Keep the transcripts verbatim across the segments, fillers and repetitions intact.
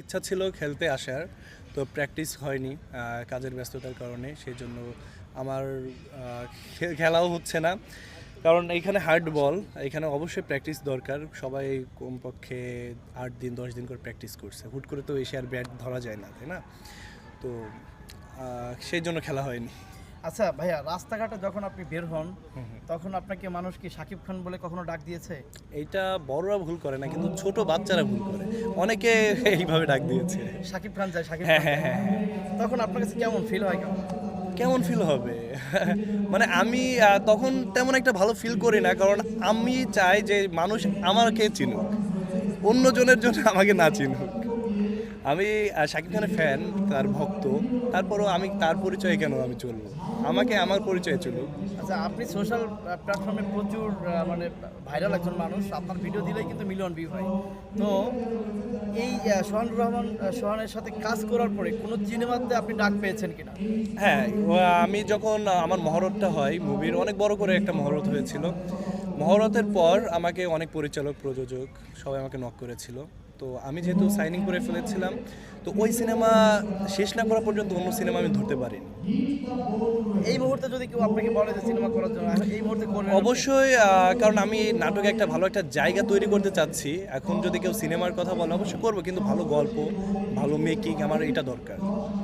ইচ্ছা ছিল খেলতে আসার, তো প্র্যাকটিস হয়নি কাজের ব্যস্ততার কারণে। সেই জন্য আমার খেলাও হচ্ছে না, কারণ এইখানে হার্ড বল, এখানে অবশ্যই প্র্যাকটিস দরকার। সবাই কমপক্ষে আট দিন দশ দিন করে প্র্যাকটিস করছে, হুট করে তো এসে আর ব্যাট ধরা যায় না, তাই না? তো সেই জন্য খেলা হয়নি। আচ্ছা ভাইয়া, রাস্তাঘাটে যখন আপনি বের হন তখন আপনাকে মানুষ কি শাকিব খান বলে কখনো ডাক দিয়েছে? এইটা বড়রা ভুল করে না, কিন্তু ছোট বাচ্চারা ভুল করে, অনেকে এইভাবে ডাক দিয়েছে। শাকিব খান যায়, শাকিব হ্যাঁ খান হ্যাঁ হ্যাঁ হ্যাঁ। তখন আপনার কাছে কেমন ফিল হয়? কেমন কেমন ফিল হবে? মানে আমি তখন তেমন একটা ভালো ফিল করি না, কারণ আমি চাই যে মানুষ আমাকে চিনুক, অন্যজনের জন্য আমাকে না চিনুক। আমি শাকিব খানের ফ্যান, তার ভক্ত, তারপরও আমি তার পরিচয়ে কেন আমি চলবো? আমাকে আমার পরিচয়ে চলুক। আচ্ছা, আপনি সোশ্যাল প্ল্যাটফর্মে প্রচুর মানে ভাইরাল একজন মানুষ, আপনার ভিডিও দিলেই কিন্তু মিলিয়ন ভিউ হয়। তো এই সোহান রহমান সোহানের সাথে কাজ করার পরে কোনো সিনেমাতে আপনি ডাক পেয়েছেন কিনা? হ্যাঁ, আমি যখন আমার মহরতটা হয়, মুভির অনেক বড় করে একটা মহরত হয়েছিল। মহরতের পর আমাকে অনেক পরিচালক, প্রযোজক সবাই আমাকে নক করেছিল। তো আমি যেহেতু সাইনিং করে ফেলেছিলাম, তো ওই সিনেমা শেষ না করা পর্যন্ত অন্য সিনেমা আমি ধরতে পারিনি। এই মুহূর্তে যদি কেউ আপনাকে বলে যে সিনেমা করার জন্য, এই মুহূর্তে করবেন? অবশ্যই, কারণ আমি নাটকে একটা ভালো একটা জায়গা তৈরি করতে চাচ্ছি। এখন যদি কেউ সিনেমার কথা বলে অবশ্যই করবো, কিন্তু ভালো গল্প, ভালো মেকিং, আমার এটা দরকার।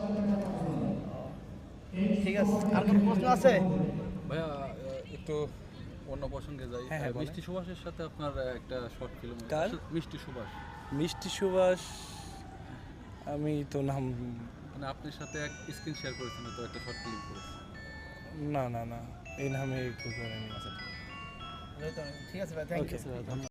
ঠিক আছে, আর কোনো প্রশ্ন আছে ভাইয়া? একটু অন্য প্রসঙ্গে যাই। হ্যাঁ, হ্যাঁ, মিষ্টি সুভাষের সাথে আপনার একটা শর্ট ফিল্ম। কার? মিষ্টি সুভাষ। মিষ্টি সুভাষ, আমি তো নাম, মানে আপনার সাথে এক স্ক্রিন শেয়ার করেছেন, তো একটা শর্ট ফিল্ম করেছেন। না না না, এই নামে একটু করেনি। ঠিক আছে ভাই, থ্যাংক ইউ।